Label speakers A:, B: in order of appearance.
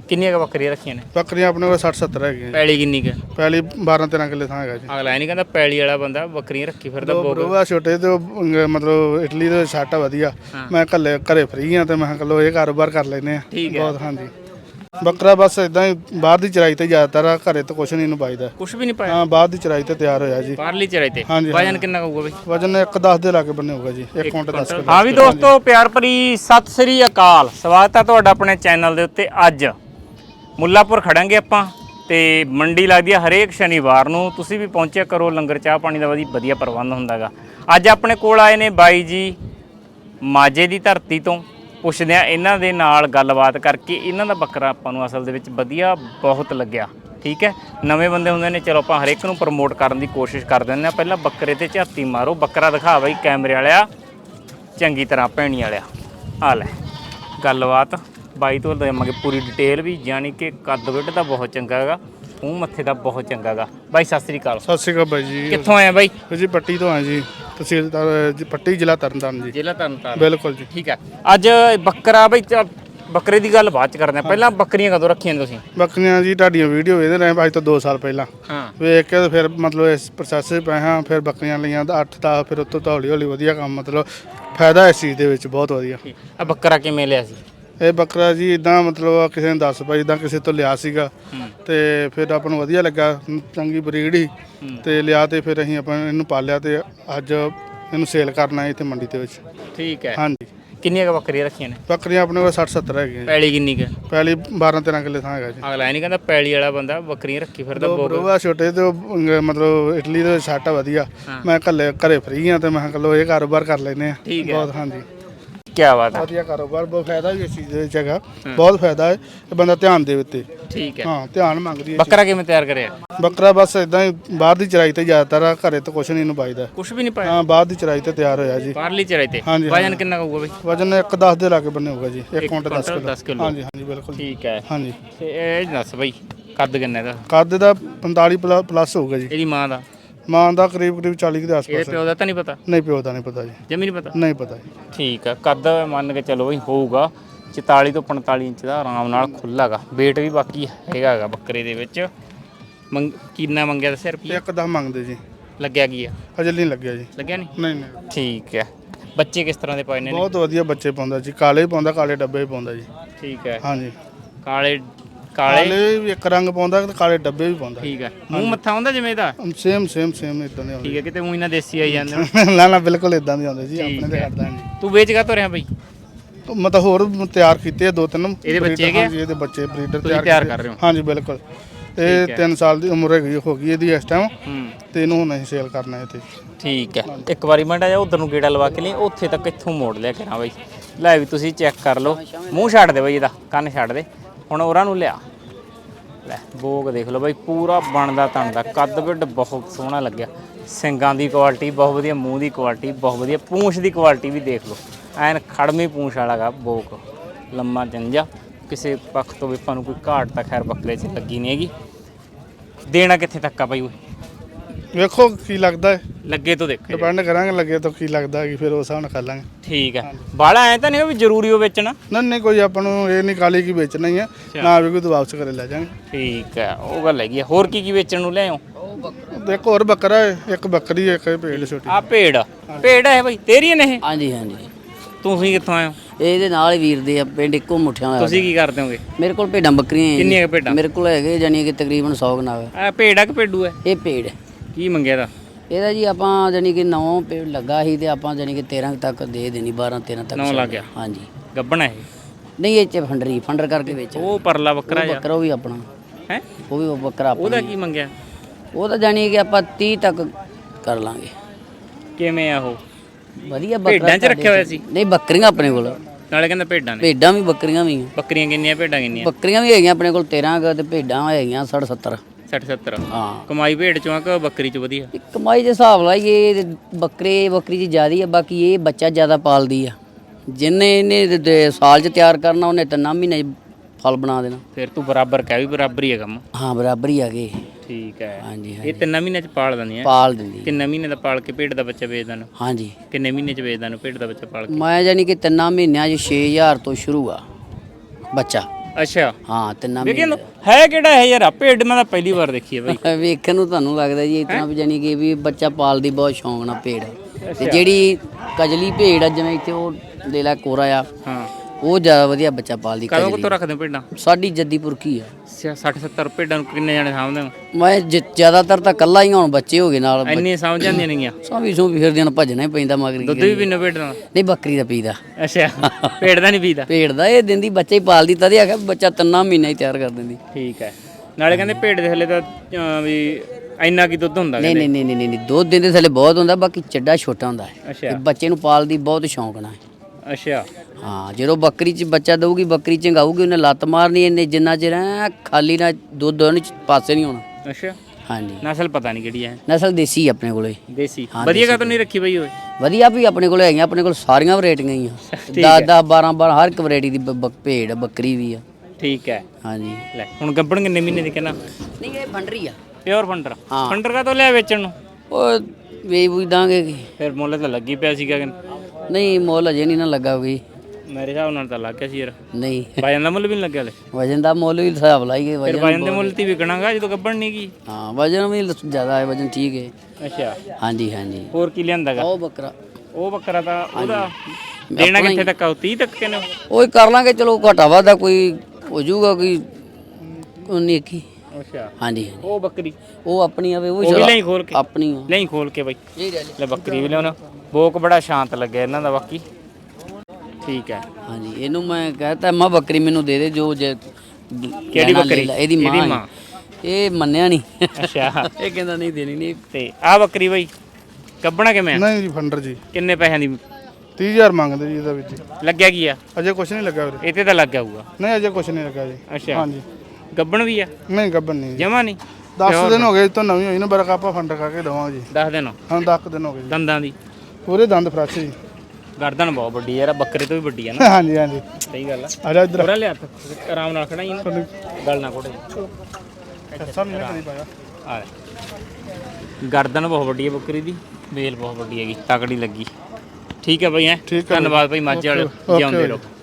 A: ਕਿੰਨੀਆਂ ਕੁ ਬੱਕਰੀਆਂ ਰੱਖੀਆਂ ਨੇ?
B: ਬੱਕਰੀਆਂ ਆਪਣੇ ਕੋਲ 60-70 ਹੈਗੀਆਂ।
A: ਪੈਲੀ ਕਿੰਨੀ ਕੁ?
B: ਪਹਿਲੀ 12-13 ਕਿੱਲੇ ਥਾਂ ਹੈਗਾ ਜੀ।
A: ਅਗਲਾ ਇਹ ਨਹੀਂ ਕਹਿੰਦਾ ਪੈਲੀ ਵਾਲਾ ਬੰਦਾ ਬੱਕਰੀਆਂ ਰੱਖੀ ਫਿਰਦਾ
B: ਦੋ ਬਰੋਆ ਛੋਟੇ ਤੇ ਮਤਲਬ ਇਟਲੀ ਦੇ ਸੈੱਟ ਆ ਵਧੀਆ। ਮੈਂ ਘਰੇ ਫਰੀ ਆ ਤੇ ਮੈਂ ਕਿਹਾ ਚਲੋ ਇਹ ਕਾਰੋਬਾਰ ਕਰ ਲੈਨੇ ਆ। ਬਹੁਤ ਹਾਂਜੀ। ਬੱਕਰਾ ਬਸ ਇਦਾਂ ਹੀ ਬਾਹਰ ਦੀ ਚਰਾਈ ਤੇ ਜ਼ਿਆਦਾਤਰ ਆ, ਘਰੇ ਤਾਂ ਕੁਛ ਨਹੀਂ ਇਹਨੂੰ ਬਾਈਦਾ।
A: ਕੁਛ ਵੀ ਨਹੀਂ ਪਾਇਆ?
B: ਹਾਂ, ਬਾਹਰ ਦੀ ਚਰਾਈ ਤੇ ਤਿਆਰ ਹੋਇਆ ਜੀ।
A: ਬਾਹਰਲੀ ਚਰਾਈ ਤੇ?
B: ਹਾਂਜੀ।
A: ਵਜਨ ਕਿੰਨਾ ਹੋਊਗਾ ਬਈ?
B: ਵਜਨ 1-10 ਦੇ ਲਾਗੇ ਬੰਨੇ ਹੋਊਗਾ ਜੀ। 1 ਕੁਇੰਟਲ 10 ਕਿਲੋ।
A: ਹਾਂ ਵੀ ਦੋਸਤੋ, ਪਿਆਰ ਭਰੀ ਸਤਿ ਸ੍ਰੀ ਅਕਾਲ। ਸਵਾਗਤ ਹੈ ਤੁਹਾਡਾ ਆਪਣੇ ਚੈਨਲ ਦੇ ਉੱਤੇ। ਅੱਜ ਮੁੱਲਾਪੁਰ ਖੜਾਂਗੇ ਆਪਾਂ ਤੇ ਮੰਡੀ ਲੱਗਦੀ ਹੈ ਹਰੇਕ ਸ਼ਨੀਵਾਰ ਨੂੰ। ਤੁਸੀਂ ਵੀ ਪਹੁੰਚਿਆ ਕਰੋ, ਲੰਗਰ ਚਾਹ ਪਾਣੀ ਦਾ ਵਧੀਆ ਪ੍ਰਬੰਧ ਹੁੰਦਾ ਗਾ। ਅੱਜ ਆਪਣੇ ਕੋਲ ਆਏ ਨੇ ਬਾਈ ਜੀ ਮਾਝੇ ਦੀ ਧਰਤੀ ਤੋਂ। ਪੁੱਛਦੇ ਆ ਇਹਨਾਂ ਦੇ ਨਾਲ ਗੱਲਬਾਤ ਕਰਕੇ। ਇਹਨਾਂ ਦਾ ਬੱਕਰਾ ਆਪਾਂ ਨੂੰ ਅਸਲ ਦੇ ਵਿੱਚ ਵਧੀਆ ਬਹੁਤ ਲੱਗਿਆ। ਠੀਕ ਹੈ, ਨਵੇਂ ਬੰਦੇ ਹੁੰਦੇ ਨੇ, ਚਲੋ ਆਪਾਂ ਹਰੇਕ ਨੂੰ ਪ੍ਰਮੋਟ ਕਰਨ ਦੀ ਕੋਸ਼ਿਸ਼ ਕਰ ਦਿੰਦੇ ਹਾਂ। ਪਹਿਲਾਂ ਬੱਕਰੇ ਤੇ ਝਾਤੀ ਮਾਰੋ। ਬੱਕਰਾ ਦਿਖਾ ਬਾਈ ਕੈਮਰੇ ਵਾਲਿਆ ਚੰਗੀ ਤਰ੍ਹਾਂ, ਭੈਣੀ ਵਾਲਿਆ। ਆ ਲੈ ਗੱਲਬਾਤ ਬਾਈ ਤੋਂ ਦੇਵਾਂਗੇ ਪੂਰੀ ਡਿਟੇਲ ਵੀ, ਜਾਣੀ ਕਿ ਕੱਦ ਵਿੱਢ ਦਾ ਬਹੁਤ ਚੰਗਾ ਹੈਗਾ, ਮੂੰਹ ਮੱਥੇ ਦਾ ਬਹੁਤ ਚੰਗਾ ਹੈਗਾ। ਬਾਈ ਸਤਿ ਸ੍ਰੀ ਅਕਾਲ।
B: ਸਤਿ ਸ੍ਰੀ ਅਕਾਲ ਬਾਈ ਜੀ।
A: ਕਿੱਥੋਂ ਆਏ ਬਾਈ?
B: ਜੀ ਪੱਟੀ ਤੋਂ ਆ ਜੀ, ਤਹਿਸੀਲ ਪੱਟੀ, ਜ਼ਿਲ੍ਹਾ ਤਰਨਤਾਰਨ ਜੀ।
A: ਜ਼ਿਲ੍ਹਾ ਤਰਨਤਾਰਨ,
B: ਬਿਲਕੁਲ ਜੀ।
A: ਠੀਕ ਹੈ। ਅੱਜ ਬੱਕਰਾ ਬਾਈ, ਬੱਕਰੇ ਦੀ ਗੱਲ ਬਾਅਦ ਚ ਕਰਦੇ ਆ, ਪਹਿਲਾਂ ਬੱਕਰੀਆਂ ਕਦੋਂ ਰੱਖੀਆਂ ਨੇ ਤੁਸੀਂ?
B: ਬੱਕਰੀਆਂ ਜੀ ਤੁਹਾਡੀਆਂ ਵੀਡੀਓ ਵੇਖਦੇ ਰਹੇ ਅੱਜ ਤੋਂ 2 ਸਾਲ ਪਹਿਲਾਂ। ਵੇਖ ਕੇ ਤੇ ਫਿਰ ਮਤਲਬ ਇਸ ਪ੍ਰੋਸੈਸ 'ਚ ਪਏ ਹਾਂ। ਫਿਰ ਬੱਕਰੀਆਂ ਲਈਆਂ 8-10, ਫਿਰ ਉੱਤੋਂ ਤਾਂ ਹੌਲੀ ਵਧੀਆ ਕੰਮ, ਮਤਲਬ ਫਾਇਦਾ ਇਸ ਚੀਜ਼ ਦੇ ਵਿੱਚ ਬਹੁਤ ਵਧੀਆ।
A: ਆ ਬੱਕਰਾ ਕਿਵੇਂ ਲਿਆ ਸੀ?
B: ਇਹ ਬੱਕਰਾ ਜੀ ਇਦਾਂ ਮਤਲਬ ਕਿਸੇ ਨੇ ਦੱਸ ਪਾਈ, ਇਦਾਂ ਕਿਸੇ ਤੋਂ ਲਿਆ ਸੀਗਾ ਤੇ ਫਿਰ ਆਪਾਂ ਨੂੰ ਵਧੀਆ ਲੱਗਾ, ਚੰਗੀ ਬਰੀਡ ਹੀ ਤੇ ਲਿਆ। ਤੇ ਫਿਰ ਅਸੀਂ ਆਪਾਂ ਇਹਨੂੰ ਪਾਲਿਆ ਤੇ ਅੱਜ ਇਹਨੂੰ ਸੇਲ ਕਰਨਾ ਇੱਥੇ ਮੰਡੀ ਦੇ ਵਿੱਚ।
A: ਠੀਕ ਹੈ।
B: ਹਾਂਜੀ।
A: ਕਿੰਨੀਆਂ ਕੁ ਬੱਕਰੀਆਂ ਰੱਖੀਆਂ ਨੇ?
B: ਬੱਕਰੀਆਂ ਆਪਣੇ ਕੋਲ 60-70 ਹੈਗੀਆਂ।
A: ਪੈਲੀ ਕਿੰਨੀ ਕੁ?
B: ਪਹਿਲੀ 12-13 ਕਿੱਲੇ ਥਾਂ ਹੈਗਾ ਜੀ।
A: ਅਗਲਾ ਇਹ ਨਹੀਂ ਕਹਿੰਦਾ ਪੈਲੀ ਵਾਲਾ ਬੰਦਾ ਬੱਕਰੀਆਂ ਰੱਖੀ ਫਿਰਦਾ।
B: ਦੋ ਬਰੋਆ ਛੋਟੇ ਤੇ ਮਤਲਬ ਇਟਲੀ ਦੇ ਸੈੱਟ ਆ ਵਧੀਆ। ਮੈਂ ਘਰੇ ਫਰੀ ਆ ਤੇ ਮੈਂ ਕਿਹਾ ਚਲੋ ਇਹ ਕਾਰੋਬਾਰ ਕਰ ਲੈਨੇ ਆ। ਬਹੁਤ ਹਾਂਜੀ।
A: ਕੀ ਬਾਤ ਹੈ,
B: ਵਧੀਆ ਕਾਰੋਬਾਰ, ਬਹੁਤ ਫਾਇਦਾ ਵੀ ਇਸ ਚੀਜ਼ ਦੇ ਵਿੱਚ ਹੈਗਾ। ਬਹੁਤ ਫਾਇਦਾ ਹੈ, ਤੇ ਬੰਦਾ ਧਿਆਨ ਦੇ ਉੱਤੇ।
A: ਠੀਕ ਹੈ।
B: ਹਾਂ, ਧਿਆਨ ਮੰਗਦੀ ਹੈ।
A: ਬੱਕਰਾ ਕਿਵੇਂ ਤਿਆਰ ਕਰਿਆ?
B: ਬੱਕਰਾ ਬਸ ਇਦਾਂ ਹੀ ਬਾਹਰ ਦੀ ਚਰਾਈ ਤੇ ਜ਼ਿਆਦਾਤਰ ਆ, ਘਰੇ ਤਾਂ ਕੁਛ ਨਹੀਂ ਇਹਨੂੰ ਬਾਈਦਾ।
A: ਕੁਛ ਵੀ ਨਹੀਂ ਪਾਇਆ?
B: ਹਾਂ, ਬਾਹਰ ਦੀ ਚਰਾਈ ਤੇ ਤਿਆਰ ਹੋਇਆ ਜੀ।
A: ਬਾਹਰਲੀ ਚਰਾਈ ਤੇ?
B: ਹਾਂਜੀ।
A: ਵਜਨ ਕਿੰਨਾ ਹੋਊਗਾ ਬਈ?
B: ਵਜਨ 1-10 ਦੇ ਲਾਗੇ ਬੰਨੇ ਹੋਊਗਾ ਜੀ। 1 ਕੁਇੰਟਲ
A: 10 ਕਿਲੋ।
B: ਹਾਂਜੀ ਹਾਂਜੀ, ਬਿਲਕੁਲ।
A: ਠੀਕ ਹੈ।
B: ਹਾਂਜੀ।
A: ਤੇ ਇਹ ਦੱਸ ਬਈ ਕੱਦ ਕਿੰਨਾ ਇਹਦਾ?
B: ਕੱਦ ਦਾ 45 ਪਲੱਸ ਹੋਊਗਾ ਜੀ।
A: ਇਹਦੀ ਮਾਂ ਦਾ?
B: ਮਾਂ ਦਾ ਕਰੀਬ 40 ਦੇ ਆਸ-ਪਾਸ।
A: ਇਹਦੇ ਪਿਓ ਦਾ ਤਾਂ ਨਹੀਂ ਪਤਾ?
B: ਨਹੀਂ, ਪਿਓ ਦਾ ਨਹੀਂ ਪਤਾ ਜੀ।
A: ਜਮੀ ਨਹੀਂ ਪਤਾ?
B: ਨਹੀਂ ਪਤਾ ਜੀ।
A: ਠੀਕ ਹੈ। ਕੱਦ ਮੰਨ ਕੇ ਚਲੋ ਬਈ ਹੋਊਗਾ 44 ਤੋਂ 45 ਇੰਚ ਦਾ, ਆਰਾਮ ਨਾਲ ਖੁੱਲ੍ਹਾ ਗਾ। ਵੇਟ ਵੀ ਬਾਕੀ ਹੈਗਾ ਬੱਕਰੇ ਦੇ ਵਿੱਚ। ਕਿੰਨਾ ਮੰਗਿਆ ਦੱਸਿਆ ਰੁਪਈਆ?
B: 1-10 ਮੰਗਦੇ ਜੀ।
A: ਲੱਗਿਆ ਕੀ ਆ?
B: ਅਜੇ ਨਹੀਂ ਲੱਗਿਆ ਜੀ।
A: ਲੱਗਿਆ ਨਹੀਂ?
B: ਨਹੀਂ।
A: ਠੀਕ ਹੈ। ਬੱਚੇ ਕਿਸ ਤਰ੍ਹਾਂ ਦੇ ਪਾਏ ਨੇ?
B: ਬਹੁਤ ਵਧੀਆ ਬੱਚੇ ਪਾਉਂਦਾ ਜੀ। ਕਾਲੇ ਵੀ ਪਾਉਂਦਾ, ਕਾਲੇ ਡੱਬੇ ਵੀ ਪਾਉਂਦਾ ਜੀ।
A: ਠੀਕ ਹੈ।
B: ਹਾਂਜੀ।
A: ਕਾਲੇ
B: ਵੀ ਇੱਕ ਰੰਗ ਪਾਉਂਦਾ ਤੇ ਕਾਲੇ ਡੱਬੇ ਵੀ ਪਾਉਂਦਾ।
A: ਠੀਕ ਹੈ। ਮੂੰਹ ਮੱਥਾ ਹੁੰਦਾ ਜਿਵੇਂ ਇਹਦਾ?
B: ਸੇਮ ਇਦਾਂ ਦੇ ਆਉਂਦੇ।
A: ਠੀਕ ਹੈ। ਕਿਤੇ ਮੂੰਹ ਇਹਨਾਂ ਦੇਸੀ ਆਈ ਜਾਂਦੇ ਨੇ?
B: ਨਾ ਬਿਲਕੁਲ ਇਦਾਂ ਦੇ ਆਉਂਦੇ ਜੀ, ਆਪਣੇ ਤੇ ਕਰਦਾ ਜੀ।
A: ਤੂੰ ਵੇਚ ਕਾ ਤੋਰਿਆ ਬਈ?
B: ਮਤਲਬ ਹੋਰ ਤਿਆਰ ਕੀਤੇ ਆ 2-3।
A: ਇਹਦੇ ਬੱਚੇ ਹੈਗੇ?
B: ਹਾਂਜੀ, ਇਹਦੇ ਬੱਚੇ ਬਰੀਡਰ
A: ਤਿਆਰ ਕਰ ਰਹੇ ਹੋ?
B: ਹਾਂਜੀ, ਬਿਲਕੁਲ। ਇਹ 3 ਸਾਲ ਦੀ ਉਮਰ ਹੋ ਗਈ ਇਹਦੀ ਇਸ ਟਾਈਮ। ਤੇ ਇਹਨੂੰ ਹੁਣ ਅਸੀਂ ਸੇਲ ਕਰਨਾ ਇੱਥੇ। ਠੀਕ
A: ਹੈ। ਇੱਕ ਵਾਰੀ ਮੈਂ ਜਾ ਉਧਰ ਨੂੰ ਗੇੜਾ ਲਵਾ ਕੇ ਲਈ, ਉੱਥੇ ਤੱਕ ਇੱਥੋਂ ਮੋੜ ਲਿਆ ਕਰਾਂ ਬਾਈ। ਲੈ ਵੀ ਤੁਸੀਂ ਚੈੱਕ ਕਰ ਲਓ। ਮੂੰਹ ਛੱਡ ਦੇ ਬਾਈ, ਇਹਦਾ ਕੰਨ ਛੱਡ ਦੇ। ਹੁਣ ਉਹਨਾਂ ਨੂੰ ਲਿਆ। ਲੈ ਬੋਗ ਦੇਖ ਲਓ ਬਾਈ, ਪੂਰਾ ਬਣਦਾ ਤਣਦਾ, ਕੱਦ ਵਿੱਢ ਬਹੁਤ ਸੋਹਣਾ ਲੱਗਿਆ। ਸਿੰਗਾਂ ਦੀ ਕੁਆਲਿਟੀ ਬਹੁਤ ਵਧੀਆ, ਮੂੰਹ ਦੀ ਕੁਆਲਿਟੀ ਬਹੁਤ ਵਧੀਆ, ਪੂੰਛ ਦੀ ਕੁਆਲਿਟੀ ਵੀ ਦੇਖ ਲਓ। ਐਨ ਖੜਮੀ ਪੂੰਛ ਵਾਲਾ ਗਾ ਬੋਗ, ਲੰਮਾ ਜੰਜਾ। ਕਿਸੇ ਪੱਖ ਤੋਂ ਵੀ ਆਪਾਂ ਨੂੰ ਕੋਈ ਘਾਟ ਤਾਂ ਖੈਰ ਬੱਕਰੇ 'ਚ ਲੱਗੀ ਨਹੀਂ ਹੈਗੀ। ਦੇਣਾ ਕਿੱਥੇ ਤੱਕ ਆ ਬਾਈ? ਉਹ
B: ਵੇਖੋ ਕੀ ਲੱਗਦਾ ਹੈ,
A: ਲੱਗੇ ਤੋਂ ਦੇਖੋ,
B: ਡਿਪੈਂਡ ਕਰਾਂਗੇ ਲੱਗੇ ਤਾਂ ਕੀ ਲੱਗਦਾ ਕਿ ਫਿਰ ਉਸ ਹਿਸਾਬ ਨਾਲ ਕਰ ਲਾਂਗੇ।
A: ਠੀਕ ਹੈ। ਬਾਲਾ ਐ ਤਾਂ ਨਹੀਂ ਵੀ ਜ਼ਰੂਰੀ ਉਹ ਵੇਚਣਾ? ਨਹੀਂ,
B: ਕੋਈ ਆਪਾਂ ਨੂੰ ਇਹ ਨਹੀਂ ਕਾਲੀ ਕੀ ਵੇਚਣਾ ਹੀ ਹੈ ਨਾ, ਵੀ ਕੋਈ ਵਾਪਸ ਕਰੇ ਲੈ ਜਾਾਂਗੇ। ਠੀਕ
A: ਹੈ, ਉਹ ਗੱਲ ਹੈਗੀ ਆ। ਹੋਰ ਕੀ ਵੇਚਣ ਨੂੰ ਲਿਆਓ?
B: ਦੇਖੋ, ਹੋਰ ਬੱਕਰਾ ਹੈ, ਇੱਕ ਬੱਕਰੀ, ਇੱਕ ਭੇਡ ਛੋਟੀ।
A: ਆ ਭੇਡ ਹੈ ਬਾਈ ਤੇਰੀ ਨੇ ਇਹ?
C: ਹਾਂਜੀ ਹਾਂਜੀ।
A: ਤੁਸੀਂ ਕਿੱਥੋਂ ਆਏ ਹੋ?
C: ਇਹਦੇ ਨਾਲ ਹੀ ਵੀਰ ਦੇ ਆ, ਪਿੰਡ ਇੱਕੋ ਮੁੱਠਿਆਂ ਦਾ।
A: ਤੁਸੀਂ ਕੀ ਕਰਦੇ ਹੋਗੇ?
C: ਮੇਰੇ ਕੋਲ ਭੇਡਾਂ ਬੱਕਰੀਆਂ
A: ਕਿੰਨੀਆਂ ਭੇਡਾਂ?
C: ਮੇਰੇ ਕੋਲ ਹੈਗੇ ਜਾਨੀ ਕਿ ਤਕਰੀਬਨ 100 ਨਾਗ।
A: ਆ ਭੇਡ ਆ ਕਿ ਭੇਡੂ ਹੈ?
C: ਇਹ ਭੇਡ।
A: ਕੀ ਮੰਗਿਆ ਦਾ?
C: ਇਹਦਾ ਜੀ ਆਪਾਂ ਜਾਨੀ ਕਿ 9 ਭੇਡ ਲੱਗਾ ਸੀ ਤੇ ਆਪਾਂ ਜਾਨੀ ਕਿ 13 ਤੱਕ ਦੇ ਦੇਣੀ, 12-13 ਤੱਕ।
A: 9 ਲੱਗ ਗਿਆ?
C: ਹਾਂਜੀ।
A: ਗੱਬਣਾ ਇਹ?
C: ਨਹੀਂ, ਇਹ ਚ ਫੰਡਰ ਕਰਕੇ ਵੇਚ।
A: ਉਹ ਪਰਲਾ ਬੱਕਰਾ
C: ਉਹ ਬੱਕਰਾ ਉਹ ਵੀ ਆਪਣਾ
A: ਹੈ?
C: ਉਹ ਵੀ ਉਹ ਬੱਕਰਾ ਆਪਣਾ।
A: ਉਹਦਾ ਕੀ ਮੰਗਿਆ?
C: ਉਹਦਾ ਜਾਨੀ ਕਿ ਆਪਾਂ 30 ਤੱਕ ਕਰ ਲਾਂਗੇ।
A: ਕਿਵੇਂ ਆ ਉਹ?
C: ਵਧੀਆ ਬੱਕਰਾ।
A: ਭੇਡਾਂ 'ਚ ਰੱਖਿਆ ਹੋਇਆ ਸੀ?
C: ਨਹੀਂ, ਬੱਕਰੀਆਂ ਆਪਣੇ ਕੋਲ।
A: ਨਾਲੇ ਕਹਿੰਦਾ ਭੇਡਾਂ ਨੇ?
C: ਭੇਡਾਂ ਵੀ ਬੱਕਰੀਆਂ ਵੀ।
A: ਬੱਕਰੀਆਂ ਕਿੰਨੀਆਂ, ਭੇਡਾਂ ਕਿੰਨੀਆਂ?
C: ਬੱਕਰੀਆਂ ਵੀ ਹੈਗੀਆਂ ਆਪਣੇ ਕੋਲ 13 ਤੇ ਭੇਡਾਂ ਹੈਗੀਆਂ 60-70।
A: 60-70?
C: ਹਾਂ।
A: ਕਮਾਈ ਭੇਡ ਚੋਂ ਆ ਕਿ ਬੱਕਰੀ 'ਚ ਵਧੀਆ?
C: ਕਮਾਈ ਦੇ ਹਿਸਾਬ ਲਾਈਏ ਬੱਕਰੀ 'ਚ ਜ਼ਿਆਦਾ ਆ, ਬਾਕੀ ਇਹ ਬੱਚਾ ਜ਼ਿਆਦਾ ਪਾਲਦੀ ਆ। ਜਿੰਨੇ ਇਹਨੇ ਸਾਲ 'ਚ ਤਿਆਰ ਕਰਨਾ, ਉਹਨੇ 3 ਮਹੀਨੇ 'ਚ ਫਲ ਬਣਾ ਦੇਣਾ।
A: ਫਿਰ ਤੂੰ ਬਰਾਬਰ ਕਹਿ ਵੀ ਬਰਾਬਰ ਹੀ ਹੈ ਕੰਮ?
C: ਹਾਂ, ਬਰਾਬਰ ਹੀ ਆ ਗਏ।
A: ਠੀਕ ਹੈ।
C: ਹਾਂਜੀ।
A: ਇਹ 3 ਮਹੀਨਿਆਂ 'ਚ ਪਾਲ ਦਿੰਦੀ ਹੈ?
C: ਪਾਲ ਦਿੰਦੀ।
A: ਕਿੰਨੇ ਮਹੀਨੇ ਦਾ ਪਾਲ ਕੇ ਭੇਡ ਦਾ ਬੱਚਾ ਵੇਚਦਾ ਨੂੰ?
C: ਹਾਂਜੀ।
A: ਕਿੰਨੇ ਮਹੀਨੇ 'ਚ ਵੇਚਦਾ ਨੂੰ ਭੇਡ ਦਾ ਬੱਚਾ ਪਾਲ ਕੇ?
C: ਮੈਂ ਜਾਨੀ ਕਿ 3 ਮਹੀਨਿਆਂ 'ਚ 6000 ਤੋਂ ਸ਼ੁਰੂ ਆ ਬੱਚਾ।
A: ਅੱਛਾ
C: ਹਾਂ ਤਿੰਨਾਂ
A: ਵੇਖਿਆ
C: ਮਹੀਨੇ
A: ਹੈ ਕਿਹੜਾ ਹੈ ਯਾਰ ਭੇਡ ਮੈਂ ਤਾਂ ਪਹਿਲੀ ਵਾਰ ਦੇਖੀ ਹੈ ਬਈ
C: ਵੇਖਣ ਨੂੰ ਤੁਹਾਨੂੰ ਲੱਗਦਾ ਜੀ ਇਤਨਾ ਵੀ ਜਾਨੀ ਕਿ ਵੀ ਬੱਚਾ ਪਾਲਦੀ ਬਹੁਤ ਸ਼ੌਂਕ ਨਾਲ ਭੇਡ ਤੇ ਜਿਹੜੀ ਕਜਲੀ ਭੇਡ ਆ ਜਿਵੇਂ ਇੱਥੇ ਉਹ ਦੇ ਲੈ ਕੋਰਾ ਆ
A: ਹਾਂ
C: ਉਹ ਜ਼ਿਆਦਾ ਵਧੀਆ ਬੱਚਾ ਪਾਲਦੀ
A: ਕਦੋਂ
C: ਕਜਲੀ
A: ਕਿਤੋਂ ਰੱਖਦੇ ਹੋ ਭੇਡਾਂ
C: ਸਾਡੀ ਜੱਦੀਪੁਰ ਕੀ ਆ
A: 60 70 ਭੇਡਾਂ ਨੂੰ ਕਿੰਨੇ ਜਾਣੇ ਸਾਂਭਦੇ ਹੋ
C: ਮੈਂ ਜ਼ਿਆਦਾਤਰ ਤਾਂ ਕੱਲਾ ਹੀ ਹੁਣ ਬੱਚੇ ਹੋ ਗਏ ਨਾਲ
A: ਇੰਨੀ ਸਮਝ ਜਾਂਦੀਆਂ ਨਹੀਂਆਂ
C: ਸਾਵੀ ਸੂਵੀ ਫਿਰਦੇ ਨੇ ਭੱਜਣਾ ਹੀ ਪੈਂਦਾ ਮਗਰ
A: ਦੁੱਧ ਵੀ ਪੀਂਦੇ ਭੇਡ ਨਾਲ
C: ਨਹੀਂ ਬੱਕਰੀ ਦਾ ਪੀਦਾ
A: ਅੱਛਾ ਭੇਡ ਦਾ ਨਹੀਂ ਪੀਦਾ
C: ਭੇਡ ਦਾ ਇਹ ਦਿੰਦੀ ਬੱਚੇ ਹੀ ਪਾਲਦੀ ਤਦੇ ਆਖਿਆ ਬੱਚਾ 3 ਮਹੀਨੇ ਹੀ ਤਿਆਰ ਕਰ ਦਿੰਦੀ
A: ਠੀਕ ਹੈ ਨਾਲੇ ਕਹਿੰਦੇ ਭੇਡ ਦੇ ਥੱਲੇ ਤਾਂ ਵੀ ਇੰਨਾ ਕੀ ਦੁੱਧ ਹੁੰਦਾ
C: ਨਹੀਂ ਨਹੀਂ ਨਹੀਂ ਨਹੀਂ ਨਹੀਂ ਦੁੱਧ ਦਿੰਦੇ ਥੱਲੇ ਬਹੁਤ ਹੁੰਦਾ ਬਾਕੀ ਚੱਡਾ ਛੋਟਾ ਹੁੰਦਾ ਹੈ
A: ਅੱਛਾ
C: ਤੇ ਬੱਚੇ ਨੂੰ ਪਾਲਦੀ ਬਹੁਤ ਸ਼ੌਂਕ ਨਾਲ ਹੈ।
A: ਅੱਛਾ
C: ਹਾਂ ਜਦੋਂ ਬੱਕਰੀ 'ਚ ਬੱਚਾ ਦਊਗੀ ਬੱਕਰੀ ਚੰਗਾਊਗੀ ਉਹਨੇ ਲੱਤ ਮਾਰਨੀ ਇਹਨੇ ਜਿੰਨਾ ਚਿਰ ਐਂ ਖਾਲੀ ਨਾ ਦੁੱਧ ਉਹਨੇ ਪਾਸੇ ਨਹੀਂ ਹੋਣਾ
A: ਅੱਛਾ
C: ਹਾਂਜੀ
A: ਨਸਲ ਪਤਾ ਨਹੀਂ ਕਿਹੜੀ ਹੈ
C: ਨਸਲ ਦੇਸੀ ਆਪਣੇ ਕੋਲੇ
A: ਦੇਸੀ ਵਧੀਆ ਕਾ ਨਹੀਂ ਰੱਖੀ ਬਈ ਓਏ
C: ਵਧੀਆ ਵੀ ਆਪਣੇ ਕੋਲ ਹੈਗੀਆਂ ਆਪਣੇ ਕੋਲ ਸਾਰੀਆਂ ਵੈਰਾਈਟੀਆਂ ਹੀ ਆ 10 12 12 ਹਰ ਇੱਕ ਵੈਰਾਈਟੀ ਦੀ ਭੇਡ ਬੱਕਰੀ ਵੀ ਆ
A: ਠੀਕ ਹੈ
C: ਹਾਂਜੀ
A: ਲੈ ਹੁਣ ਗੱਬਣ ਕਿੰਨੇ ਮਹੀਨੇ ਦੀ ਕਹਿਣਾ
C: ਨਹੀਂ ਇਹ ਫੰਡਰੀ ਆ
A: ਪਿਓਰ ਫੰਡਰ
C: ਹਾਂ।
A: ਫੰਡਰ ਕਾ ਤੋਂ ਲਿਆ ਵੇਚਣ ਨੂੰ
C: ਉਹ ਵੇਚ ਬੂਝ ਦਾਂਗੇ
A: ਫਿਰ ਮੁੱਲ ਤਾਂ ਲੱਗੀ ਪਿਆ ਸੀਗਾ
C: ਨਹੀਂ ਮੁੱਲ ਅਜੇ ਨਹੀਂ ਨਾ ਲੱਗਾ ਕੋਈ
A: ਮੇਰੇ ਹਿਸਾਬ ਨਾਲ ਤਾਂ ਲੱਗ ਗਿਆ ਸੀ ਯਾਰ
C: ਨਹੀਂ
A: ਵਜਨ ਦਾ ਮੁੱਲ ਵੀ ਨਹੀਂ ਲੱਗਿਆ ਲੈ
C: ਵਜਨ ਦਾ ਮੁੱਲ ਵੀ ਹਿਸਾਬ ਲਾਈਏ
A: ਫਿਰ
C: ਵਜਨ
A: ਵਜਨ ਦੇ ਮੁੱਲ ਤੇ ਹੀ ਵਿਕਣਾਗਾ ਜਦੋਂ ਗੱਬਣ ਨਹੀਂ ਗਈ
C: ਹਾਂ ਵਜਨ ਵੀ ਜ਼ਿਆਦਾ ਹੈ ਵਜਨ ਠੀਕ ਹੈ
A: ਅੱਛਾ
C: ਹਾਂਜੀ ਹਾਂਜੀ
A: ਹੋਰ ਕੀ ਲਿਆਂਦਾਗਾ
C: ਉਹ ਬੱਕਰਾ
A: ਉਹ ਬੱਕਰਾ ਤਾਂ ਉਹਦਾ ਦੇਣਾ ਕਿੱਥੇ ਤੱਕ ਆ 30 ਤੱਕ ਕਿਨੇ
C: ਉਹ ਹੀ ਕਰ ਲਾਂਗੇ ਚਲੋ ਘਟਾ ਵਾਧਾ ਕੋਈ ਹੋ ਜਾਊਗਾ ਕੋਈ 19 21
A: ਅੱਛਾ
C: ਹਾਂਜੀ ਹਾਂਜੀ
A: ਉਹ ਬੱਕਰੀ
C: ਉਹ ਆਪਣੀ ਆਵੇ ਉਹ
A: ਉਹ ਵੀ ਲਈ ਖੋਲ ਕੇ
C: ਆਪਣੀ ਆ
A: ਨਹੀਂ ਖੋਲ ਕੇ ਬਾਈ
C: ਇਹ ਲੈ
A: ਲੈ ਬੱਕਰੀ ਵੀ ਲਿਆਉਣਾ ਬੋਕ ਬੜਾ ਸ਼ਾਂਤ ਲੱਗਿਆ ਇਹਨਾਂ ਦਾ ਬਾਕੀ ਠੀਕ ਹੈ
C: ਹਾਂਜੀ ਇਹਨੂੰ ਮੈਂ ਕਹਤਾ ਮਾਂ ਬੱਕਰੀ ਮੈਨੂੰ ਦੇ ਦੇ ਜੋ ਜੇ
A: ਕਿਹੜੀ
C: ਲੈਣਾ ਲੈ
A: ਬੱਕਰੀ?
C: ਲੈ। ਇਹਦੀ
A: ਇਹਦੀ
C: ਮਾਂ
A: ਮਾਂ।
C: ਹੈ। ਇਹ ਮੰਨਿਆ ਨਹੀਂ
A: ਅੱਛਾ
C: ਇਹ ਕਹਿੰਦਾ ਨਹੀਂ ਦੇਣੀ ਨਹੀਂ
A: ਤੇ ਆ ਬੱਕਰੀ ਬਾਈ ਕੱਬਣਾ ਕਿਵੇਂ ਆ?
B: ਨਹੀਂ ਜੀ ਫੰਡਰ ਜੀ
A: ਕਿੰਨੇ ਪੈਸਿਆਂ ਦੀ
B: 30000 ਮੰਗਦੇ ਜੀ ਇਹਦਾ ਵਿੱਚ
A: ਲੱਗਿਆ ਕੀ ਆ
B: ਅਜੇ ਕੁਛ ਨਹੀਂ ਲੱਗਾ ਵੀਰੇ
A: ਇੱਥੇ ਤਾਂ ਲੱਗ ਜਾਊਗਾ
B: ਨਹੀਂ ਅਜੇ ਕੁਛ ਨਹੀਂ ਲੱਗਾ ਜੀ
A: ਅੱਛਾ
B: ਹਾਂਜੀ
A: ਗੱਬਣ ਵੀ ਆ
B: ਨਹੀਂ ਗੱਬਨ ਨਹੀਂ ਜੀ
A: ਜਮਾ ਨਹੀਂ
B: 10 ਦਿਨ ਹੋ ਗਏ ਤੋਂ ਨਵੀਂ ਹੋਈ ਨਾ ਬਰਕ ਆਪਾਂ ਫੰਡਰ ਖਾ ਕੇ ਦਵਾਂਗੇ ਜੀ
A: ਦੱਸ ਦੇਣਾ
B: ਹਾਂ 10 ਦਿਨ ਹੋ ਗਏ ਜੀ
A: ਦੰਦਾਂ ਦੀ
B: ਪੂਰੇ ਦੰਦ ਫਰੈਸ਼ ਜੀ
A: ਗਰਦਨ ਬਹੁਤ ਵੱਡੀ ਯਾਰ ਬੱਕਰੇ ਤੋਂ ਵੀ ਵੱਡੀ ਆ ਨਾ
B: ਹਾਂਜੀ ਹਾਂਜੀ
A: ਸਹੀ ਗੱਲ ਆ
B: ਆ ਜਾ ਇੱਧਰ
A: ਪੂਰਾ ਲਿਆ ਆਰਾਮ ਨਾਲ ਖੜਾ ਹੀ ਨਾ ਗੱਲ ਨਾ ਕੋੜੇ
B: ਸਭ ਨਹੀਂ ਕਰੀ ਪਾਇਆ
A: ਆ ਲੈ। ਗਰਦਨ ਬਹੁਤ ਵੱਡੀ ਹੈ ਬੱਕਰੀ ਦੀ ਬੇਲ ਬਹੁਤ ਵੱਡੀ ਹੈਗੀ ਤਕੜੀ ਲੱਗੀ ਠੀਕ ਹੈ ਬਾਈ ਹੈ
B: ਠੀਕ ਹੈ
A: ਧੰਨਵਾਦ ਭਾਈ ਮਾਝੇ ਵਾਲੇ ਜਿਉਂਦੇ ਰਹੋ